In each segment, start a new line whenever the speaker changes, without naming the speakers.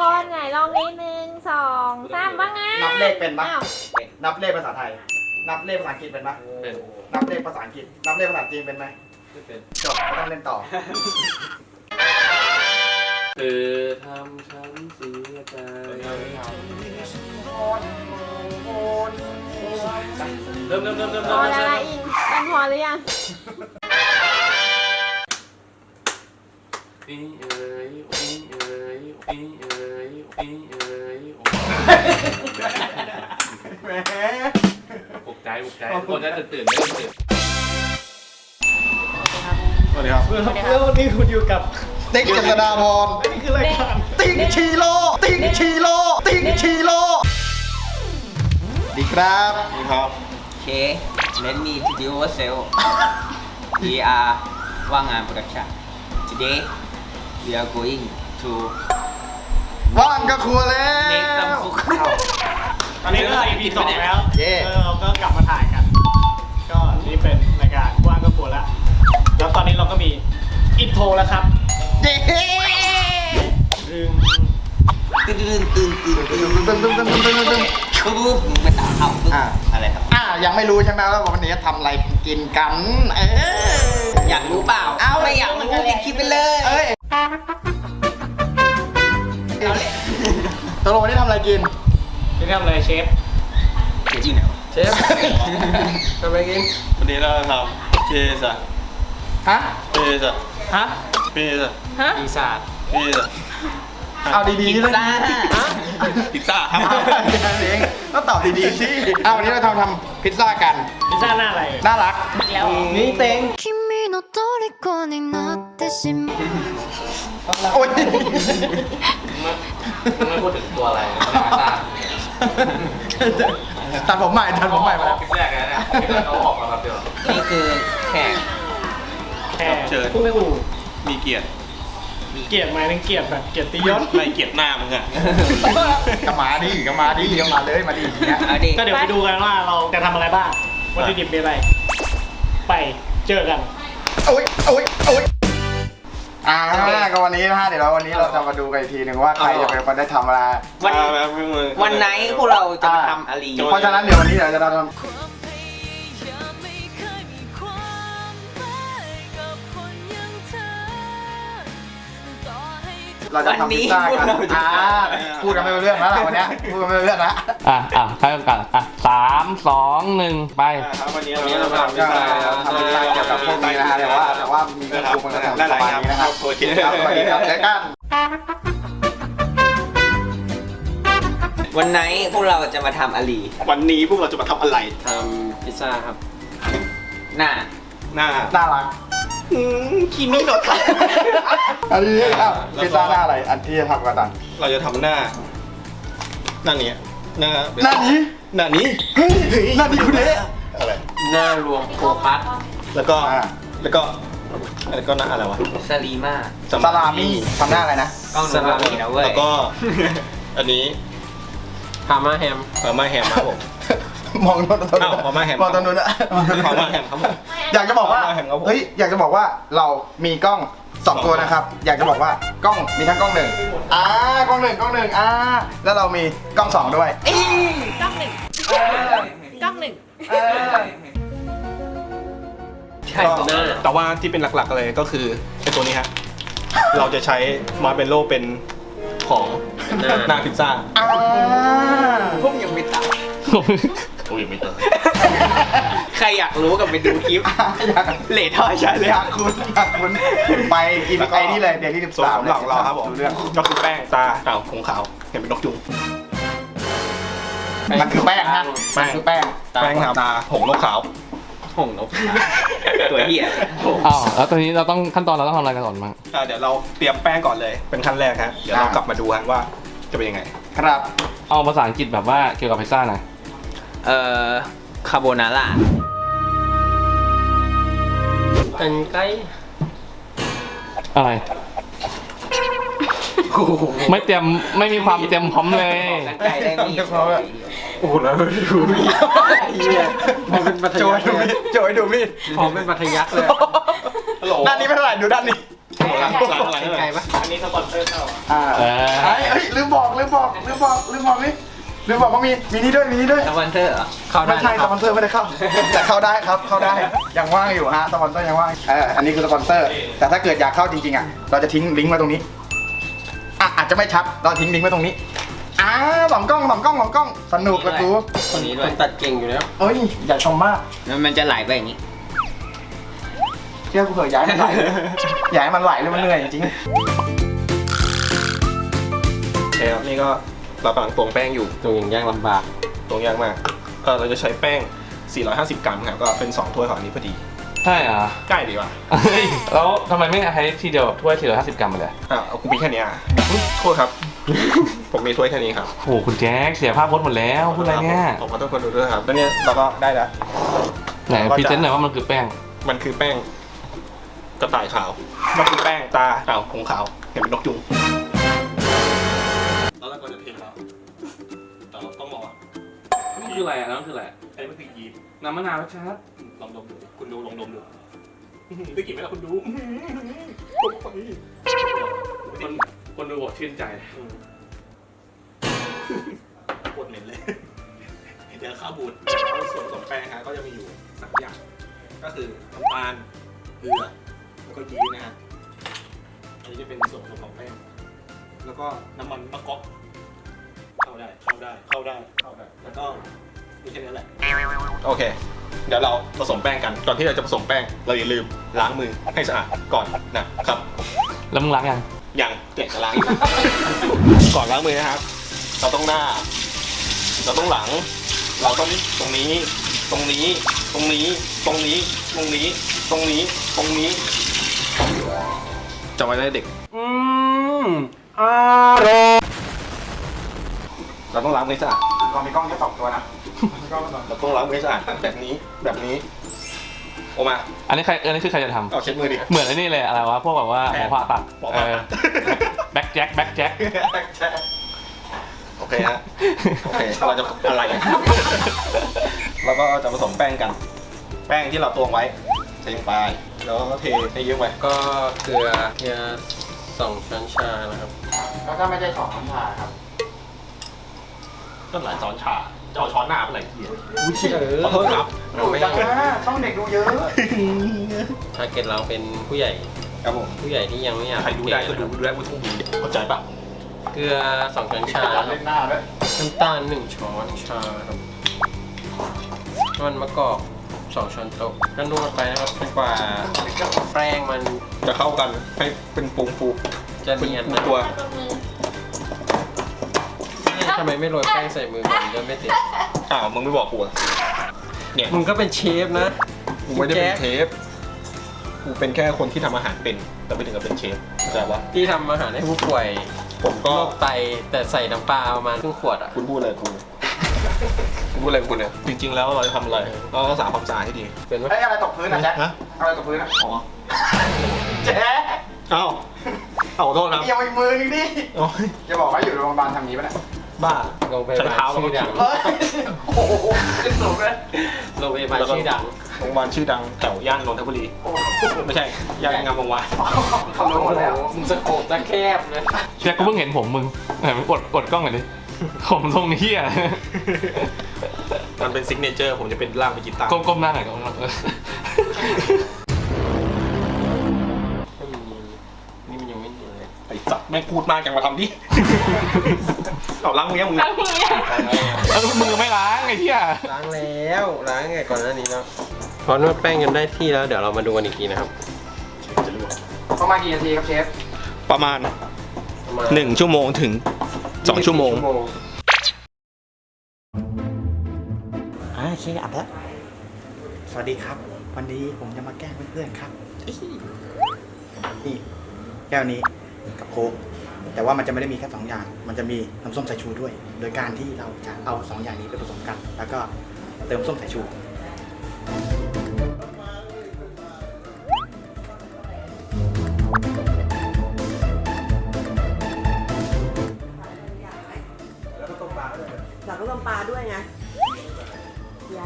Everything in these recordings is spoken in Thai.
นไหนลองนิดนึง2 3ว่าไง
นับเลขเป็นปะ
อ้าว
นับเลขภาษาไทย นับเลขภาษาอังกฤษเป็นปะ
เป็น
นับเลขภาษาอังกฤษ นับเลขภาษาจีนเป็นไหม
ไม่เป็น
จบไม่ต้องเล่นต่อ
เธอทำฉันเสียใจเริ่ม
พอแล้วละอิงมันพอหรือยัง
นี่เอ๋ยนี่เอ๋ยนี่เอ๋ยนี่เอ๋ย
แหม
ปลุกใจคนจะตื่นไม่ตื่น
สวัสดีครับ
แล้ววันนี้คุณอยู่กับ
ติ๊กเจษฎาพร
นี่คือรายการ
ติ๊กชีโร่ติ๊กชีโร่ติ๊กชีโร่ดีครับดีครับ
Okay, let me introduce ourselves. We are Wangan Production. Today, we are going to
ว่างก็ครัวแล้ว
make some food.
ตอนนี้ก็ EP 2แล้ว
เย้
เราก็กลับมาถ่ายกัน ก็นี่เป็นรายการว่างก็กลัวแล้ว แล้วตอนนี้เราก็มีอินโทรแล้วครับ
เย้
ดึง
ตื่นตื่นตื่นตื่นตื่น
ตึ้ง
ปุ๊บไปตามคำปุ๊บอะไรครับ
ยังไม่รู้ใช่ไหมว่าวันนี้จะทำอะไรกินกัน
อยากรู้เปล่า
เอา
ไม่อยากรู้ปิดคลิปไปเลย
เอ้ย
เอาเลย
ตกลงวันนี้ทำอะไรกิน
จะทำอะไรเชฟ
เดี๋ยวอยู่ไหนวะ
เชฟทำอะไรกิน
วันนี้เราทำเจสอะ
ฮะ
เจสอะ
ฮะ
เจสอะ
ฮะ
ปีศาจ
เจสอะ
เอาดี
พิซ
ๆเลย
ซ่า
พิซซ่าครับ
แค่นั้นเองก็ตอบดีๆสิวันนี้เราทำพิซซ่ากัน
พิซซ่าหน้าอะไร
น่ารัก
แล้ว
นี่เต็ง
君の虜になってしまう
โอ้ย
มึงไม่พูดถึงตัวอะไรนะพิซซ่า
ตัดผมใหม่มาแล้ว
คลิปแรกเลยนะคลิปแรกเขาออกมาแบบเดียว
นี่คือแขก
แค่
เชิญ
ผู้ไม่อู่
มีเกียรติ
เกลียดไหมนั่งเกลียดแบบเกลียดตียศ
ไม่เกียรติหน้ามึงอะ
ก็มาดิก็มาเลยมาดิอย่างเงี้ย
เอาดิ
ก็เดี๋ยวไปดูกันว่าเราจะทำอะไรบ้างวัตถุดิบเป็นอะไร ไปเจอกัน
โอ้ยก็วันนี้นะฮะเดี๋ยววันนี้เราจะมาดูกันอีกทีหนึ่งว่าใครจะเป็นคนได้ทำอะไร
วันไหนพวกเราจะมาทำอะไร
เพราะฉะนั้นเดี๋ยววันนี้เดี๋ยวจะทำ
ความพยายามไม่เคยมีความหมายกับคนอย่างเธอต่อให้เธอ
เราจะทำพิซซ่ากันพูดกันไม่รู้เรื่องแล้วล่ะวันนี้พูดกันไม่รู้เรื่องแล้ว
ใครกัน3 2 1 ไป
ครับวันนี้เราทำพิ
ก็
ซซ่า
ทำพิซซ่าเกี่ยวกับพวกนี้นะฮะแต่ว่ามีเมนูมันก็ทำประมาณนี้นะครับ
โอเค
ครับสวัสดีครับเจอกัน
วันไหนพวกเราจะมาทำอะไร
วันนี้พวกเราจะมาทำอะไร
ทำพิซซ่าครับ
หน้า
หน้า
น่ารัก
คิมิโนะทะ
อันนี้พิซซ่าหน้าอะไรอันที่จะทำกันต่าง
เราจะทำหน้านี้หน้า
หน้านี้
หน้านี้
เฮ้ยหน้านี้คุณเอ๊ะ
อะไร
หน้ารวมโฟกัส
แล้วก็หน้าอะไรวะ
สลีมา
ซาลามี่ทำหน้าอะไรนะ
กล้องสลามีนะเว้ย
แล้วก็ อันนี้
พาม่าแฮม
มาแฮมครับผม
มองโน้น
อ้าวพม่าแฮม
มองตรงนู้นอะ
พม่าแฮมครับผม
อยากจะบอกว่า
พม่าแฮมครับผม
เฮ้ยอยากจะบอกว่าเรามีกล้อง2ตัวนะครับ อยากจะบอกว่ากล้องมีทั้งกล้องหนึ่งกล้องหนึ่งแล้วเรามีกล้อง2ด้วย
กล้องหนึ่งกล้องหนึ่ง
ใช่ผม
แต่ว่าที่เป็นหลักๆเลยก็คือไอ้ตัวนี้ฮะ เราจะใช้มาร์เบลโล่เป็นของหน้าพิซซ่า
พวกยังไม่ตาย
โอ้ยไม่เติม
ใครอยากรู้กับไปดูคลิปเลทอยใช่เลย
อยากคุณไปกินไอ้นี่เลยเดี๋ยวที่
ส่วน
13
ของหลักเราครับผม
ดูเรื่อง
ก็คือแป้งตาเต่าของขาวเห็นเป็นนกยุง
มันคือแป้งฮะ
แป้ง
มันคือแป้ง
แป้งตาหงนกขาว
หงนกตัวเหี้ย
อ้าวแล้วตอนนี้เราต้องขั้นตอนเราต้องทำอะไรกันก่อนบ้าง
เดี๋ยวเราเตรียมแป้งก่อนเลยเป็นขั้นแรกฮะเดี๋ยวเรากลับมาดูฮะว่าจะเป็นยังไง
ครับ
เอาภาษาอังกฤษแบบว่าเกี่ยวกับพิซซ่าหน่อย
คาโบนาร่า
เป็นไก่อะไร ไม่มีความเตรียมพร้อมเลย
ไก่ได้มี
โอ้โหแล้วดูมี
ผมเป็นปัท
โจ
ยั
ยดูมีด
ผมเป็นปัทยักเลย
ฮัลโหล
ด้านนี้ไม่เท่าไหร่ดูด้านนี้
ไ
หลังไกลปะ
อันนี้สปอนเซอร์เข้า
เฮ้ยลืมบอกนี่ลืมบอกว่ามีนี่ด้วย
สปอนเซอร์เหรอเข้าได้
ไม่ใช่สปอนเซอร์ไม่ได้เข้า แต่เข้าได้ครับเข้าได้ยังว่างอยู่ฮะสปอนเซอร์ยังว่างอันนี้คือสปอนเซอร์ แต่ถ้าเกิดอยากเข้าจริงๆอ่ะเราจะทิ้งลิงก์ไว้ตรงนี้อาจจะไม่ชัดเราทิ้งลิงก์ไว้ตรงนี้สองกล้องสนุกละกู
คนนี้ด้
ค
วย
นตัดเก่งอยู่แล้ว
เอ้ยอย่าชมมาก
แล้วมันจะไหลไปอย่างนี้
เชื่อกูเถอะย้ายมันไหลเลยย้ายมันไหลเลยมันเหนื่อยจริง
โอเคครับนี่ก็เรากำลังตวงแป้งอยู่
ตรงอย่างยากลำบาก
ตวงยากมากเราจะใช้แป้ง 450 กรัมครับก็เป็น2ถ้วยของอันนี้พอดี
ใช่เหรอ
ใกล้ดีว่ะ
เฮ้ยแล้วทำไมไม่ใช้ทีเดียวถ้วย450 กรัมไปเลย
เอากูมีแค่นี้อุ๊ยโทษครับ ผมมีถ้วยแค่นี้ครับ
โอ้โหคุณแจ็คเสียภาพพจน์หมดแล้วพูดอะไรเนี่ย
ผมขอโทษคนดูด้วยครับแล้วเนี่ยเราก็ได้แล้ว
ไหนพรีเซนต์หน่อยว่ามันคือแป้ง
มันคือแป้งกระต่ายขาวมันคือแป้งตาของขาวเห็นเป็นนกยุงแล้วเราก็จะเทแล้วแต่เราต้องรอ
มันคืออะไรอ่ะน้ำคืออะไร
อันนี้มันคือยีสต์
น้ำมะนาวชัด
ลองดมดูคุณดูลองดมดูได้กลิ่นไหมล่ะคุณดู
คนดูบอกชื่นใจ
โคตรเหม็นเลยเดี๋ยวข้าวบูดส่วนผสมแป้งฮะก็จะมีอยู่3อย่างก็คือน้ำตาลเกลือแล้วก็ยีสต์นะฮะอันนี้จะเป็นส่วนผสมของแป้งแล้วก็น้ำมันมะกอกเข้าได้แล้วก็มีแค่นี้แหละโอเค เดี๋ยวเราผสมแป้งกันก่อนที่เราจะผสมแป้งเราอย่าลืมล้างมือให้สะอาดก่อนนะครับ
แล้วมึงล้างยัง
อย่างเด็กจะล้าง ก่อนล้างมือนะครับ เราต้องหน้า เราต้องหลัง เราต้องตรงนี้จำไว้ได้เด็กเราต้องล้างมือให้สะอาด
ๆเรามีกล้องแค่2ตัวนะ
เราต้องล้างมือให้สะอาดแบบนี้ออกมา
อันนี้คือใครจะทำ
เอาเช็ดมือดิ
เหมือนไอ้นี่เลยอะไรวะพวกแบบว่าหมอผ่าตัด
หมอผ่าตัด
แบ็คแจ็ค
โอเคฮะโอเคเราจะอะไรกันเราก็จะผสมแป้งกัน แป้งที่เราตวงไว้ใส่ลงไปแล้วก็เทให้เยอะไป
ก็เกลือ2 ช้อนชานะครับ
แล้วถ้าไม่ใช่2น้ำชาครับ
ต้นหลายช้อนชาจะเอาช้อนหน้าเป็นไรเหี้ย
ข
ขอโทษครับ
ดูจังนะช่องเด็กดูเยอะ
ทาร์เก็ตเราเป็นผู้ใหญ่
ครับผม
ผู้ใหญ่ที่ยังไม่อยาก
ใครดูได้ก็ดูได้ไม่ต้องดูเข้าใจปะ
เกลือ2 ช้อนชาครับ
เล่นหน้าด้วย
น้ำตาล1 ช้อนชาครับน้ำมันมะกอก2 ช้อนโต๊ะก็นวดไปนะครับจนกว่าแป้งมัน
จะเข้ากันให้เป็นฟูฟู
จะเนียนนะ
ตัว
ทำไมไม่โรยแป้งใส่มือมันจะไม่ติด
มึงไม่บอกกูอะเนี่ย
มึงก็เป็นเชฟนะ
กูไม่ได้เป็นเชฟกูเป็นแค่คนที่ทำอาหารเป็นแต่ไม่ถึงกับเป็นเชฟเข้าใจปะ
ที่ทำอาหารให้ผู้ป่วย
ผม
โร
ก็
คไตแต่ใส่น้ำปลาประมาณครึ่งขวดอ่ะ
คุณพูดอะไรกูคุณพูดอะไรกูเนี่ยจริงๆแล้วเราจะทำอะไรเราต้องรักษาความสะอาดให้ดีเป็นไหม
เฮ้ยอะไรตกพื้นอ่ะแจ๊ค
ฮะ
อะไรตกพื้นอ่ะ
อ๋อ
แจ๊ค
เอาขอโทษครับ
ยังอีกมือนึงดิ
โอ้ย
อย่าบอกว่าอยู่โรงพยาบาลทำนี้ป่ะเนี่ย
บ้า
โรงพยา
ใช้
บาล
เท้าแล้ว
ชื่
ก็
อดัง
เฮ้ยโอ้โหขึ้นสูงเลย
โรงพยาบาลชื่อดัง
โรงพยาบาลชื่อดังแถวย่านนนทบุรี
โอ้โห
ไม่ใช่ย่านงามวงศ์วาน
เขารู้หมดแล้ว
มึงสโคปตะแคบนะ
แจ็คก็เพิ่งเห็นผมมึงไหนมึงกดกล้องหน่อยดิผมตรงนี้อ่ะ
มันเป็นซิกเนเจอร์ผมจะเป็นร่างเป็นกีตาร์
ก้มหน้าหน่อยก้มหน้า
ไม่มีนี่มันยังไม่มีเลย
ไอ้สัตว์แม่งพูดมากจังมาทำดิ เอาล้างมือยังมึง
ล้างมือยัง
แล้วมือไม่ล้างไอ้เหี้ย
ล้างแล้วล้างไงก่อนหน้านี้แล้วพอนวดแป้งกันได้ที่แล้วเดี๋ยวเรามาดูกันอีกทีนะครับ
ประมาณกี่นาทีครับเชฟ
ประมาณ
ประมาณ
1 ชั่วโมงถึง 2 ชั่วโมง
โอเคอัดแล้วสวัสดีครับ วันนี้ผมจะมาแกล้งเพื่อนๆครับนี่แก้วนี้กับโค้กแต่ว่ามันจะไม่ได้มีแค่2อย่างมันจะมีน้ำส้มสายชูด้วย โดยการที่เราจะเอา2อย่างนี้ไปผสมกัน แล้วก็เติมส้มสายชู
อยากก็ต้มปลาด้วยไงยัง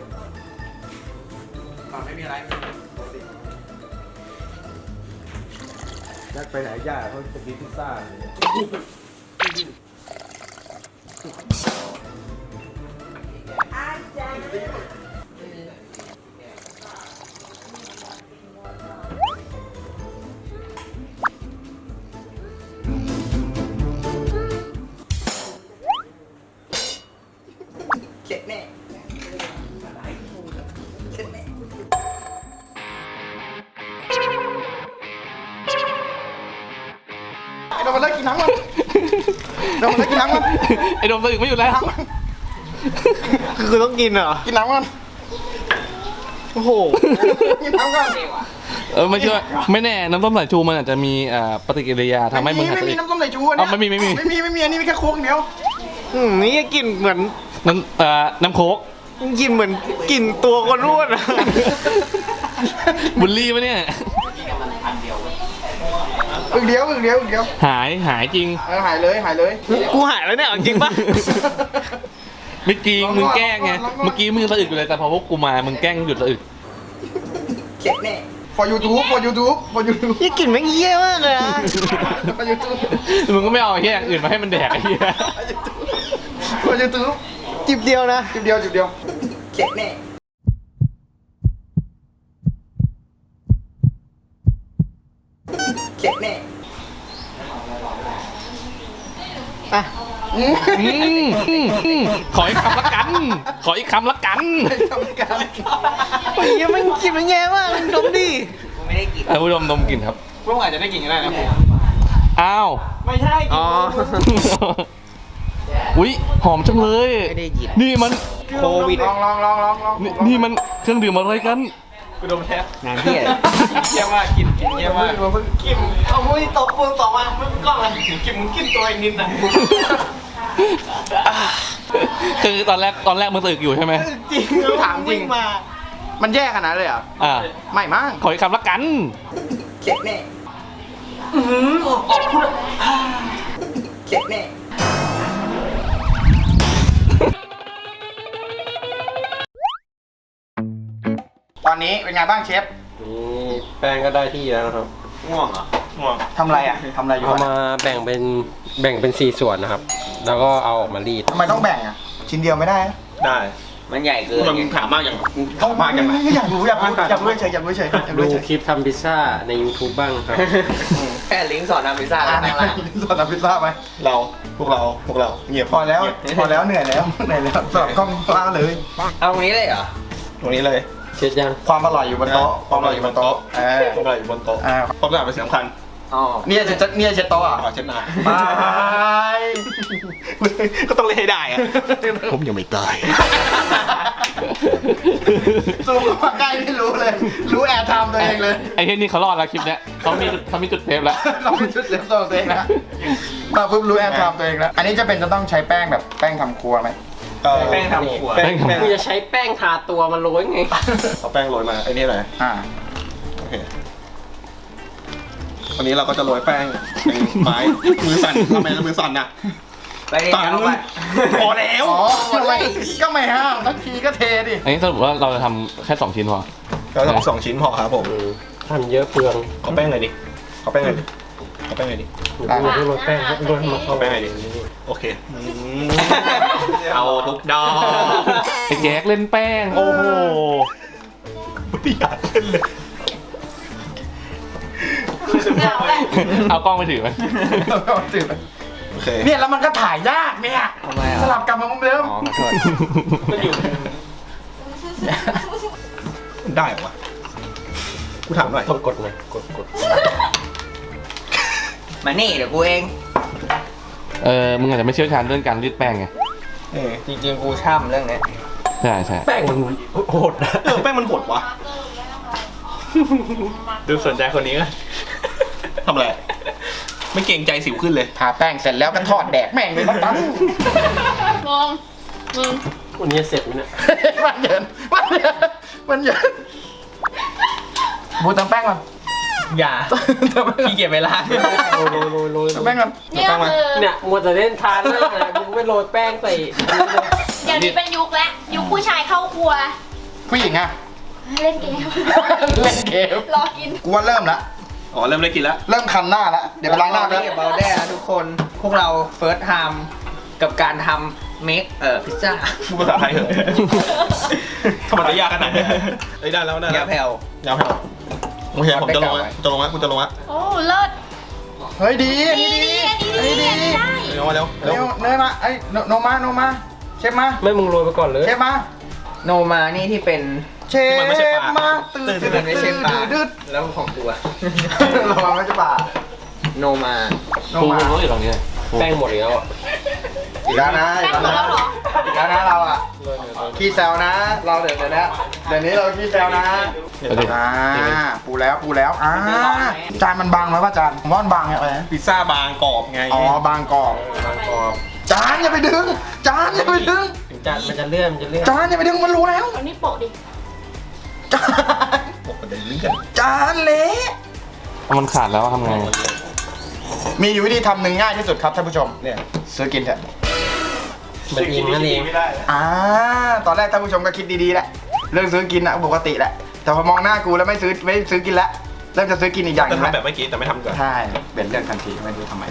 ไม่มีอะไร
นัดไปหาย่าเขาจะกินพิซซ่าเลย
เจ็บแน่ ไอ้โดมมันเลิกกินน้ำมันโดมมันเลิกกินน้ำมัน
ไอ้โดมตื่นไม่อยู่แล้ว
คือต้องกินเหรอ
กินน้ำมัน
โอ้โห
กินน้ำกัน
ไม่เชื่อไม่แน่น้ำส้มสายชูมันอาจจะมีปฏิกิริยาทำให้มึงหาย
ไม่
ใจ
มีน้ำส้มสายชูอันเนี้ย
ไม่มี
ไม่มีอันนี้มีแค่โค้กอย่างเดียว
นี่กลิ่นเหมือน
น้ำโค้ก
กลิ่นเหมือนกลิ่นตัวคนอ้วนอะ
บุลลี่ปะเนี่ย
อึกเดียว
หายจริง
หายเลย
กูหายแล้วเนี่ยเอาจริงปะ
ไม่จริงมึงแกล้งไงเมื่อกี้มึงสะอึกอยู่เลยแต่พอพวกกูมามึงแกล้งหยุดสะอึก
เจ็บแน่ for YouTube
นี่กลิ่นแม่งเยี่ยมากเลยอะ
for YouTube
มึงก็ไม่เอาไอ้เหี้ยอย่างอื่นมาให้มันแดกไอ้เหี้ย
for YouTube
จิบเดียวนะ
จุดเดียวเจ็บแน่เจ็บแน่
อ่ะ
ขออีกคำละกัน ขออีกคำละกัน
ทำการ
ไอ้เหี้ยแม่งกลิ่นแม่งแย่มากมึงดมดิ
กูไม่ได้กิน
ผู้ชมดมกลิ่นครับ
พวกอาจจะได้กลิ่นก็ได้นะ
อ้าว
ไม่ใช่กลิ่น
อ๋อ
อุ๊ยหอมจังเลย
ไม่ได้หยิบ
นี่มัน
โควิด
ลอง
นี่มันเครื่องดื่มอะไรกัน
กูดมแท้
งานที่
เยี่ยมมากกลิ่นเยี่ยมมากกลิ่นเอามือตบปูนต่อมามึงกล้องอะไรกลิ่นมึงกลิ่นตัวเองนิดนะ
คือตอนแรกมึงตึกอยู่ใช่ไหม
จริง
ถามจริง
มา
มันแย่ขนาดเลยเหรอ่ะ
อ่า
ไม่มั้ง
ขออีกคำละกัน
เจ็บแน่เจ็บแน่ตอนนี้เป็นไงบ้างเชฟ
นี่แป้งก็ได้ที่แล้วนะครับ
ง่วงเหรอ
ง่วง
ทำอะไรอ่ะทำอะไรอยู่
เอา
อะ
มาแบ่งเป็น4ส่วนนะครับ แล้วก็เอาออกมารีด
ทำไมต้องแบ่งอ่ะ ชิ้นเดียวไม่ได้อะ
ได้
มันใหญ่เกิน
มึง
ไง
ถามมากอย่างถามมากอย่างไร
อยากรู้เฉย
ดูคลิปทำพิซซ่าใน YouTube บ้างครับ
แค่ลิงก์สอนทำพิซซ่า
อ่า
แล้วข้างล่าง
สอนทำพิซซ่าไหม
พวกเราเงียบ
พอแล้วเหนื่อยแล้วสอนกล้องล่าเลย
เอาตรงนี้เลยเหรอ
ตรงนี้เลย
เช็ดยัง
ความอร่อยอยู่บนโต๊ะ
ความอร่อยอยู่บนโต๊ะ
เออ
ความอร่อยอยู่บนโต๊ะ
อ่า
ความสะอาดเป็นสิ่งสำคัญ
อ๋อ
เนี่ยเช็ดโต๊ะอ่ะ
ขอเช็ดหน้า
บาย
ก็ต้องเล่นให้ได้อะผมยังไม่ตาย
ซูมเข้ามาใกล้ไม่รู้เลย รู้แอร์ไทม์ตัวเองเลย
ไอ้เหี้ยนี่เขารอดแล้วคลิปเนี้ยเขามีจุดเซฟแล้ว
เราเป็นชุดเล็บตัวเองนะมาปุ๊บรู้แอร์ไทม์ตัวเองแล้วอันนี้จะเป็นจะต้องใช้แป้งแบบแป้งทำครัวไหม
แป้งทำครัว
แป้ง
กูจะใช้แป้งทาตัวมันโรยไง
เอาแป้งโรยมาไอ้นี่เลย
อ่า
โอเควันนี้เราก็จะโรยแป้งเป็นไม้มือสั่นทำไมมือสั่นน่ะ
ไปดิ
สั่น
เอาไป
พอแล้ว
อ๋อก็ไม่ห้ามทักทีก็เทดิ
อันนี้สรุปว่าเราจะทำแค่2ชิ้นพอ
เราทำ2 ชิ้นพอครับผม
ทำเยอะเปลือง
ขอแป้งหน่อยดิขอแป้งหน่อยดิ
ดูโรยแป้งโรยมา
ขอแป้งหน่อยดิโอเคเอาทุกดอก
ไอ้แจ๊กเล่นแป้ง โอ้โห
ไม่อยากเล่นเลย
เอากล้องไปถือไหม
โอเค
เนี่ยแล้วมันก็ถ่ายยากเนี่ย
ทำไมอ่ะ
สลับกลับมาเหมือนเดิม
อ๋อขอโทษ
ได้เหรอวะกูถามหน่อย
กดหน่อยกด
มานี่เดี๋ยวกูเอง
มึงอาจจะไม่เชี่ยวชาญเรื่องการรีดแป้งไง
จริงๆกูช่ำเรื่องเนี้ย
ใช่ใช่
แป้งมันโหดนะ
แป้งมันโหดวะ
ดูสนใจคนนี้ก็
ทำอะไรไม่เกรงใจสิวขึ้นเลย
ทาแป้งเสร็จแล้วก็ทอดแดกแม่งเลยมาตั้ง
งงมึง
วันนี้เสร็จไหมเนี่ย
มันเยินบูตำแป้งก่อน
อย่าขี้เกียจเวลา
โรย
ตำแป้งก่อน
เนี่ยคือ
เนี่ยมัวแต่เล่นทานแล้วนะมึงไม่โรยแป้งใส่
เดี๋ยวนี้เป็นยุคแล้วยุคผู้ชายเข้าครัว
ผู้หญิงอะ
เล่นเกม
เล่นเกม
รอกิน
กูว่าเริ่มละ
อ๋อเริ่มได้กินแล้ว
เริ่มคันหน้าแล้ว เดี๋ยวไปล้างหน้า
แล้
แล้ว ว
เบาแด้ทุกคน พวกเราเฟิร์สไทม์กับการทำเมคพิซซ่า
พูดภาษาไทยเถอะทำไมจะยากขนาดนี้เอ้ยได้แล้วได้แล้ว
ยาแผ่วย
าวแผ่วโอเคผมจะลงแล้วจะลงแล้วคุณจะลงแล้ว
โอ้เลิศ
เฮ้ยดีอัน
ดี
นี้
ดี
ดี
อันนี้ดีอันนี้ได้
เร็วมาเร็ว
เร็วเนยมาไอ้โนมาเชฟมา
ไม่มึงโรยไปก่อนเลย
เชฟมา
โนมานี่ที่เป็น
เชฟมาตื่น
ที่มันไม่ใช่ปลา
ดืด
แล้วของกูอะ
เรามาไม่ใช่ปลา
โนมา
โน
กู
มา
รู้อยู่ตรงนี้
แป้งหมดแล้วอะ
อีกแล้วนะ
แป้งหมดแล้วเหรอ
อีกแล้วนะเราอ่ะขี้แซวนะ เราเดี๋ยวนี้เราขี้แซวนะปูแล้วจานมันบางไหมว่าจานผมว่ามันบางไงอะไรนะ
พิซซ่าบางกรอบไง
อ๋อบางกรอบ
บางกรอบ
จานอย่าไปดึงจานอย่าไปดึง
ถึงจานมันจะเลื่อนมันจะเลื่อน
จานอย่าไปดึงมันรู้แล้ว
เอานี่โปะดิ
จาน
ปกติเลื่อน
จานเละ
มันขาดแล้วทำไง
มีอยู่วิธีทำหนึ่งง่ายที่สุดครับท่านผู้ชมเนี่ยซื้อกินเถอะ
มันอิงนั่นเอง
ตอนแรกท่านผู้ชมก็คิดดีๆแหละเรื่องซื้อกินอะปกติแหละแต่พอมองหน้ากูแล้วไม่ซื้อกินแล้วเริ่มจะซื้อกินอีกอย่างห
จะ
นึงแล้ว
ทำแบบเมื่อกี้แต่ไม่ทำก่อน
ใช่เป็นเรื่องทันทีไม่รู้ทำไม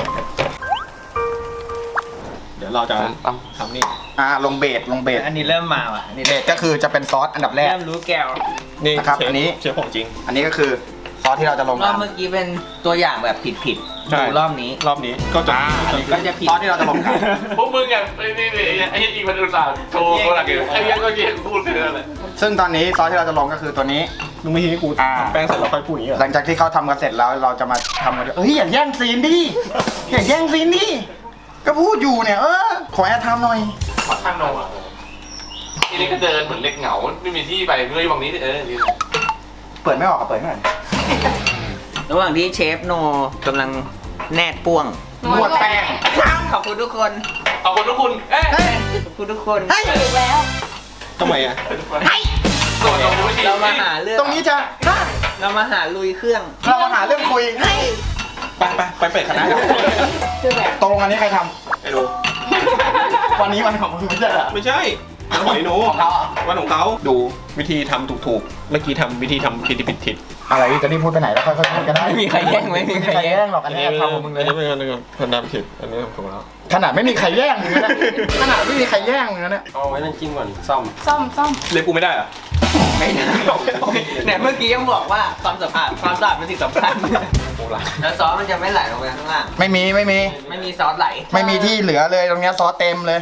เดี๋ยวเราจะทำนี่
ลงเบส
อันนี้เริ่มมาว่ะอันนี้
เบสก็คือจะเป็นซอสอันดับแรก
เริ่มรู้แก้ว
นี่
นะครับ
เชฟ
อันนี้
เชฟของจริง
อันนี้ก็คือซอสที่เราจะลง
รอบ
กัน
เมื่อกี้เป็นตัวอย่างแบบผิด
ใช่
ดูรอบนี้
รอบนี้ก็จะ
อันนี้
ก็จะผิด
ซอสที่เราจะลงกัน
พวกมึงอ่ะไอ้อีกมันอุตส่าห์โชว์ตัวหลักอยู่ไอ้ยังก็เย็นพูดเลย
ซึ่งตอนนี้ซอสที่เราจะลงก็คือตัวนี้
มึงไม่ให้กูทำแป้งเสร็จแล้วค่อยพูดอย่างนี้เหร
หลั
อง
จากที่เขาทำกันเสร็จแล้วเราจะมาทำกันด้วยอย่าแย่งซีนดิอย่าแย่งซีนดิก็พูดอยู่เนี่ยขอแอดไทม์หน่อย
ขอข้างนมอ่ะทีนี้ก็เดินเหมือนเล็กเหงาไม่มีที่ไปเมื่อวันนี้ยืน
เปิดไม่ออกเปิดไม่ออก
ระหว่างที่เชฟโนกำลังแนบป้วง
นวดแป้ง
ขอบคุณทุกคน
ขอบคุณทุกคุณเอ้ย
ขอบคุณทุกคน
ถูกแล้ว
ทำไมอ่ะ
ส่วนของวิธี
เรามาหาเรื่อง
ตรงนี้จะ
เรามาหาลุยเครื่อง
เรามาหาเรื่องคุย
ไปเปิดคณะ
ตรงอันนี้ใครท
ไอ้หนู
ำวันนี้วันของมึงไม่ใช่เหรอ
ไม่ใช่วันของไอ้หนู
ของเขาเหรอ
วันของเขาดูวิธีทำถูกๆเมื่อกี้ทำวิธีทำผิด
อะไรจะรีบพูดไปไหนแล้วค่อยๆพูดก็ได้
ไม่มีใครแย่งไม่มีใครแย่ง
หรอกอันนี้ทำของมึงเลย
อันนี้เป็นอันนึงคนทำผิดอันนี้ทำถูกแล้ว
ขนาดไม่มีใครแย่งมึงนะขนาดไม่มีใครแย่งมึงนะ
เอาไว้นั่นจิ้มก่อนซ่อม
ซ่อม
เรียกกูไม่ได้เหรอ
ไม่ได้เนี่ยเมื่อกี้ยังบอกว่าความสะอาดเป็นสิ่งสำคัญ
โอ้ละ
แล้วซอสมันจะไม่ไหลลงไปข้างล่าง
ไม่มี
ไม่มีซอสไหล
ไม่มีที่เหลือเลยตรงเนี้ยซอสเต็มเลย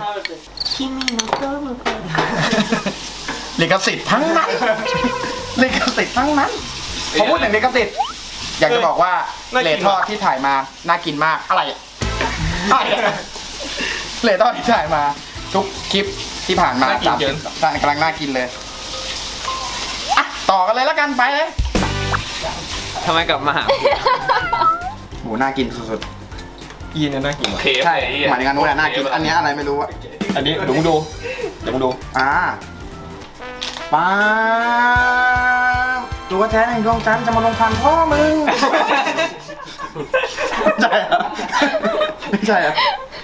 ลิขสิทธิ์ทั้งนั้นลิขสิทธิ์ทั้งนั้นพอพูดถึงลิขสิทธิ์อยากจะบอกว่าเลททอดที่ถ่ายมาน่ากินมากอะไรอะเลททอดที่ถ่ายมาทุกคลิปที่ผ่านมากำลังน่ากินเลยอ่ะต่อกันเลยแล้วกันไปเลย
ทำไมกลับมาหา
โหน่ากินสุด
ยีนเนี่ยน่ากินว่ะ
เคฟ
ๆใช่หมายถึงอันนู้นน่ะน่ากินอันเนี้ยอะไรไม่รู้อะ
อันนี้เดี๋ยวมึงดูเดี๋ยวมึงดู
ป้าตัวแท้แห่งดวงจันทร์จะมาลงพันพ่อมึงใช่เหรอไม่ใช่เหรอ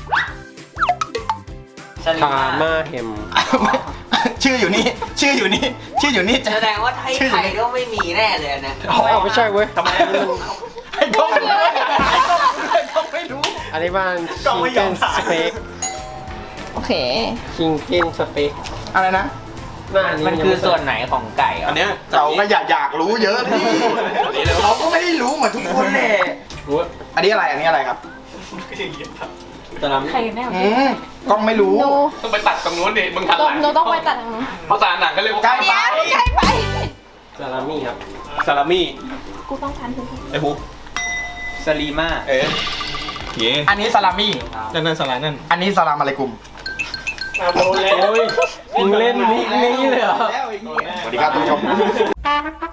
พาม่าเฮม
ชื่ออยู่นี่จะ
แสดงว่าไทยก็ไม่มีแน่เลยนะ
อ๋อไม่ใช่เว้ย
ทำไมอันนี้มัน
ไอ้กล้องไม่รู้
อันนี้บ้าน
กล้อง
ชิ
ไม่
ง
ย
เก้
อม
น
ถ่าย
สเต็ก
โอเค
ชิงเก้นสเต็ก
อะไรนะ
หน้านี้
มันคือส่วนไหนของไก่อ่ะ
อันเนี้ย
เราก็อยากรู้เยอะดิ
อันนี้เลย
เราก็ไม่ได้รู้เหมือนทุกคนแหละ
รู้ว่า
อันนี้อะไรครับ
ตะล
ใครกันแน่
กล้องไม่รู้
โน
ต้องไปตัดตรงนู้นดิมึงทันหลัง
โนต้องไปตัดทางนู้น
ภาษาหนังก็เรียกว่า
ใกล้ไป
ใกล้ไป
ำซาลามี่ครับ
ซาลามี่
กูต้องทันทุกที
ไอ้ฮุก
สลีมา
เอ๊ะเย่
อันนี้ซาลามี่
นั่นสลายนั่น
อันนี้ซาลามอะลัยกุม
โอ้ยมึงเล่นมุกนี้เลยเหรอ
สวัสดีครับท่านผู้ชม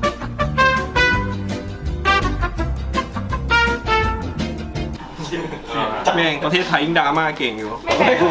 แม่งประเทศไทยยิ่งดราม่าเก่งอยู่
เฮ้ย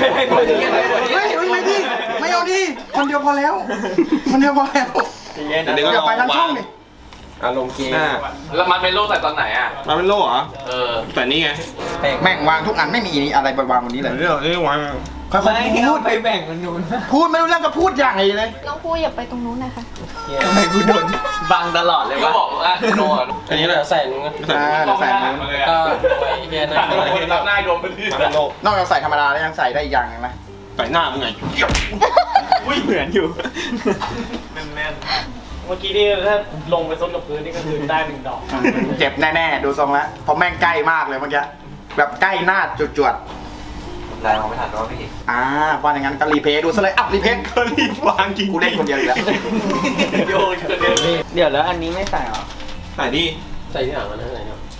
ไม่เอาดิคนเดียวพอแล้วคนเดียวพอแล้ว
เดี๋ยวก็
อย่าไปทั้งช่องดิ
อารมณ์เกม
หน้า
แล้วมันเป็นโลกแต่ตอนไหนอ่ะ
มาเป็นโล่เหรอ
เออ
แต่นี่ไง
แม่งวางทุกอันไม่มีอะไรไปวางบนนี้เลย
เรื่องนี้วาง
ค่อย
ไม่
ๆพูด
ไปแบ่งกันนู้น
พูดไม่รู้เรื่องก็พูดอย่างไรเลย
น้องพูอย่าไปตรงนู้นนะคะ
ทำไมกูโดนบังตลอดเลยวะ
บอกว่าโดน
อันนี้เราใส่นู้น
เดี๋ยวใส่นู้น
ก็ไว้เฮียนะ
รับหน้าโดนไปที่
นอกจากใส่ธรรมดาแล้วยังใส่ได้อีกอย่างหนึงนะ
ใส่หน้ามึงไง
อุ้ยเหมือนอยู่แน่นๆเมื่อกี้ที่ถ้าลงไปซดกับพื้นนี่ก็คือได้1 ดอก
เจ็บแน่ๆดูทรงแล้วเพราะแม่งใกล้มากเลยเมื่อกี้แบบใกล้หน้าจวด
ได้มองไม่ทันก็พี่
ๆว่าอย่างนั้นก็รีเพย์ดูซะเลยอัพรีเพย์
ก็รีบวางจริง
กูเล่นคนเดียวอีกแล้ว
โยนกันเลย
เดี๋ยวแล้วอันนี้ไม่ใส่หรอ
ใส่ดิ
ใส่ที่หลังมันนะไหนเนาะ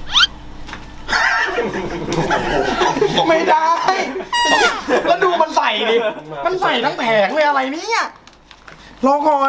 ไม่ได้ แล้วดูมันใส่ดิ มันใส่ทั้งแผงเลยอะไรเนี่ยรอก่อน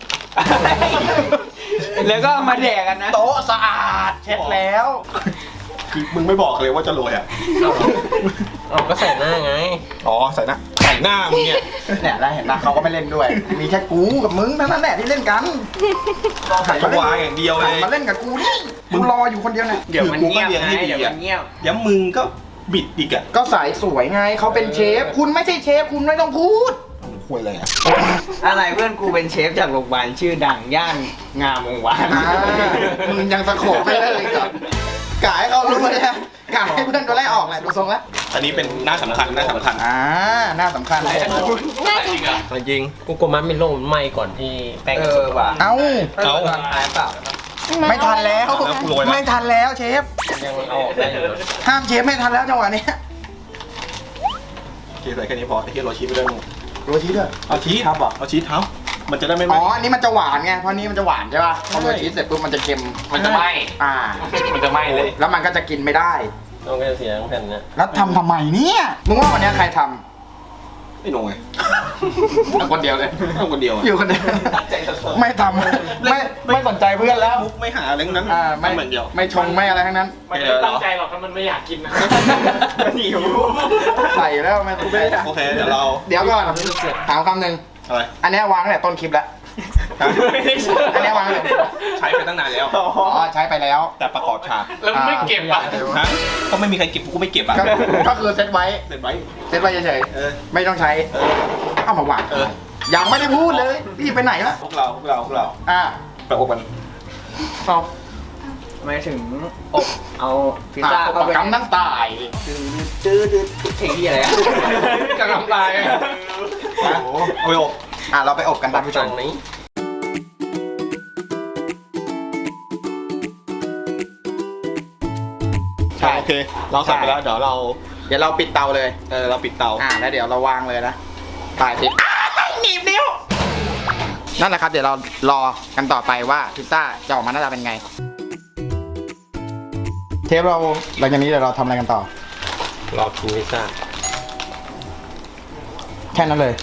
แล้วก็เอามาแดกกันนะ
โต๊ะสะอาดเช็ดแล้ว
คือมึงไม่บอกเลยว่าจะโรยอ่ะ
เอาก็ใส่หน้าไง
อ๋อใส่หน้ามึงเนี่ย
เนี่ยได้เห็นปะเขาก็ไม่เล่นด้วย มีแค่กูกับมึงเท่านั้นแหละที่เล่นกัน
หันมาวางอย่างเดียวเลย
มาเล่นกับกูนี่กูรออยู่คนเดียวเนี่ย
เดี๋ยวมันเงียบ
คือกูก็เลี้ยงให้
ไง
ดี
เดี๋ยว
อะ
มันเงียบ
เดี๋ยวมึงก็บิดอีกอ่ะ
ก็สายสวยไงเขาเป็นเชฟ คุณไม่ใช่เชฟคุณไม่ต้องพูด
คุยอะไรอ่ะ
อะไรเพื่อนกูเป็นเชฟจากโรงพยาบาลชื่อดังย่านงามวงศ์วาน
มึงยังสะโขบไม่ได้เลยครับกายเขารู้เลยนะกายให้เพื่อนตัวแรกออกแหละดูทรงแล้ว
อันนี้เป็นหน้าสำคัญหน้าสำคัญ
หน้าสำคัญเลย
น่าจริง
จริง
กูกลัวมันไม่ลงมันไหม้ก่อนที่แป้ง
เอ
จะ
อ
สุก
ว่ะ
เอ้า
ตอนท้ายเปล่า
ไม่ทันแล้ว
แล้วกูโรยแล้ว
ไม่ทันแล้วเชฟ
ยังเอาออกได้อยู่นะ
ห้ามเชฟไม่ทันแล้วจังหวะนี้
โอเคใส่แค่นี้พอไอ้เหี้ยโรยชีสไปด้วยมึง
โรชีสด้วย
เอาชีสครับบอกเอาชีสเท้ามันจะได้ไม่ไห
อ๋
ม้
ออันนี้มันจะหวานไงเพราะนี้มันจะหวานใช่ป่ะพอโรชีสเสร็จปุ๊บมันจะเค็ม
มันจะไหม้
มันจะไหม้เลย แล้วมันก็จะกินไม่ได้
ต้องก็จะเสียทั้งแผ่นเนี่ย
แล้วทำทำไมเนี่ยมึงว่าวันนี้ใครท
ไม่ลงไง
ำคนเดียวเลย
เอาคนเดียวอะ
อยู่คนเดียวไม่ทำไม่สนใจเพื่อนแล้ว
มุกไม่หาอะไรทั้งนั้น
ไม่
เหมือนเดียว
ไม่ชงไม่อะไรทั้งนั้น
มันไม่ตั้งใจหรอกถ้ามันไม่อยากกินนะ
หิวใส่แล้วไม่ต้อง
โอเคเดี๋ยวเรา
เดี๋ยวก่อนถามคำหนึ่ง
อะไร
อันเนี้ยวางตั้งแต่ต้นคลิปแล้ว อันเนี้ยวางเลย
ใช้ไปตั้งนานแล้ว
อ๋อใช้ไปแล้ว
แต่ประกอบฉาก
แล้วไม่เก็บอ่ะ
ฮะก็ไม่มีใครเก็บกูก็ไม่เก็บอ่ะ
ก็คือเซตไว้
เสร็จไว้
เซตไว้เฉย
เออ
ๆไม่ต้องใช้
เออ
เอามาวาง
เออ
ยังไม่ได้พูดเลยพี่ไปไหนละ
พวกเรา ไปอบกัน
เอา
ไม่ถึงอบเอาพิซซ่า
ป
เข้าไป
กำนั่งตาย
ตื้อเพลงที่อะไรอะ
กำลังตาย
โอ้โหเอาไปอบ
เราไปอบกันท่านผู้ช
ฝั่
ม
งนี้
ใช่
โอเค เราใส่ไปแล้วเดี๋ยวเรา
เดี๋ยวเราปิดเตาเลย
เราปิดเตา
แล้วเดี๋ยวเราวางเลยนะตายสิหนีบนิ้วนั่นแหละครับ เดี๋ยวเรารอกันต่อไปว่าพิซซ่าจะออกมาหน้าตาเป็นไง เทปเราหลังจากนี้เดี๋ยวเราทำอะไรกันต่อ
รอกินพิซซ่า
แค่นั้นเลย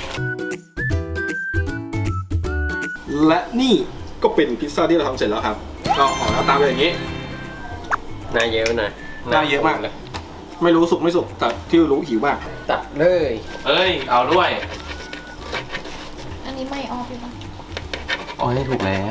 และนี่ก็เป็นพิซซ่าที่เราทำเสร็จแล้วครับก็ออกแล้วตามไปอย่างนี้
หน้าเยอะหน่อย
หน้าเยอะมากเลย ไม่รู้สุกไม่สุกแต่ที่รู้หิวมาก
ตัดเลย
เอ้ย เอาด้วย
อันนี้ไม่ออฟเลยปะ
อ๋อนี่ถูกแล้ว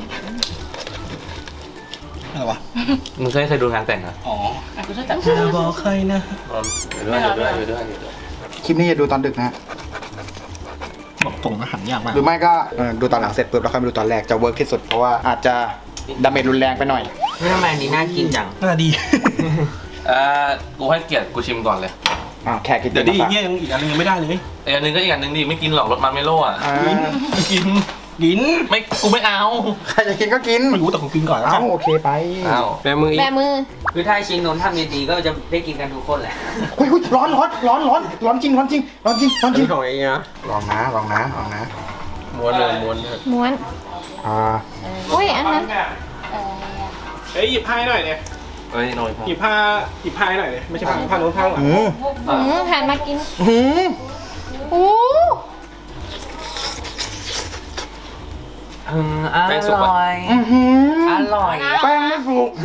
อะไรวะ
มึงเคยดูงานแต่งเหรอ
อ๋อ
กูจะจับ
อย่าบอกใครนะ
อยู่ด้วย
คลิปนี้จะดูตอนดึกนะ
บอกตรงอาหารยากมาก
หรือไม่ก็ดูตอนหลังเสร็จปุ๊บแล้วค่อยมาดูตอนแรกจะเวิร์กที่สุดเพราะว่าอาจจะดาเมจรุนแรงไปหน่อย
เฮ้ยทำไมอันนี้น่ากินจัง
น่าดี
กูให้เกียรติกูชิมก่อนเลย
แค่กิน
เดี๋ยวดิเนี่ยยังอีกอันนึงยังไม่ได้เลย
อีกอันหนึงก็อีกอันหนึงดิไม่กินหรอกรสมันไม่โล่อะ
ไม่กินกิน
ไม่กูไม่เอา
ใครจะกินก็กิน
ไม่รู้แต่ผมกินก่อนแล้วกัน
โอเคไป
อ้าว
แบมืออี
แบ
ก
มือ
คือถ้าชิ้นนู้นทำดีๆก็จะได้กินกันทุกคนแหละ
อุ้ยร้อนจริงร้อนจริง
อันนี้ของไอ้เนี่ย
ลองนะลองนะ
ม้วนเลยม้วนเลย
ม้วน อุ้ยอันนั้น
เฮ้ยหยิบผ้าให้หน่อยเนี่ย
เอ้ยน้อยพอ
หยิบผ้าให้หน่อยเนี่ยไม่ใช่ผ้าโน้นผ้าหลัง
หันมากินโอ้
อร่อย อร่อย
แป้งไม่สุก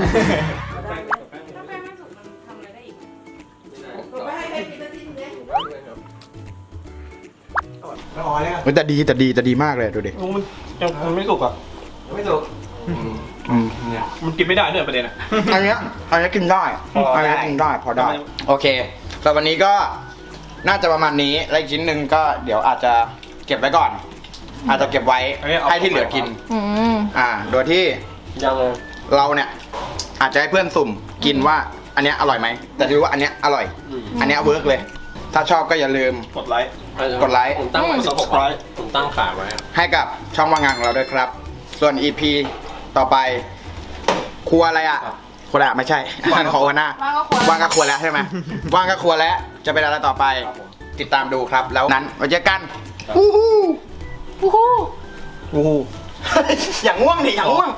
แต่ดีมากเลยดูดิ
มันไม่สุกอ่ะ
ไม่ถูก
มันกินไม่ได้เนี่ยประเด็นอ่ะ
อันเนี้ยกินได้
พอได้
พอได้ โอเคสำหรับวันนี้ก็น่าจะประมาณนี้แล้วอีกชิ้นหนึ่งก็เดี๋ยวอาจจะเก็บไว้ก่อน อาจจะเก็บไว้ให้ที่เหลือกิน
อืม
โดยที่
ยังเลย
เราเนี่ยอาจจะให้เพื่อนสุ่มกินว่าอันเนี้ยอร่อยไหมแต่ดูว่าอันเนี้ยอร่อย อันเนี้ยเวิร์กเลย ถ้าชอบก็อย่าลืม
กดไลค์
กดไลค์
ผมตั้งไว้
subscribe
ผมตั้งขาไว้อะ
ให้กับช่องว่างงานของเราด้วยครับ ส่วน EP ต่อไป ครัวอะไรอ่ะครัวอะไรอะไม่ใช่อันของหัวหน้า
ว่างก็ครัว
ว่างก็ครัวแล้วใช่ไหม ว่างก็ครัวแล้วจะเป็นอะไรต่อไป ติดตามดูครับ แล้วนั้นไว้เจอกันวู้ฮู้
วู้ฮู้
วู้ฮู้ อย่างง่วงดิอย่างง่วง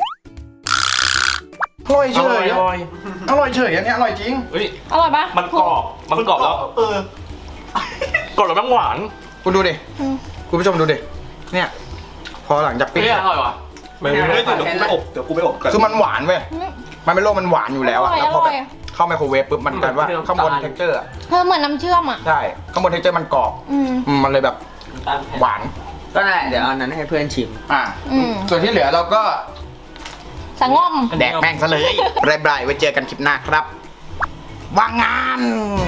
อร่อยเฉยอะอร่อยเฉยอันเนี้ยอร่อยจริง
เฮ้ย
อร่อยปะ
มันกรอบมันกรอบแล้วกรอบแล้วมันหวาน
คุณดูดิคุณผู้ชมดูดิเนี่ยพอหลังจากปิ้ง
เฮ้ยอร่อยว่ะ
ไม่
เดี๋
ไม่
ยวกูไปอบเดี๋ยวกูไปอบกัน
คือมันหวานเว้ยมันเป็นโรคมันหวานอยู่แล้วอะแล้วพอแบบเข้าไมโครเวฟปุ๊บมันกลายว่าข้างบนเท็กเจอร์
เธอเหมือนน้ำเชื่อมอ่ะ
ใช่ข้างบนเท็กเจอร์มันกรอบ
อืม
มันเลยแบบหวาน
ก็นั่นแหละเดี๋ยวเอานั้นให้เพื่อนชิม
อืม
ส่วนที่เหลือเราก็
สงอม
แดกแม่งซะเลยบายบายไว้เจอกันคลิปหน้าครับว่างงาน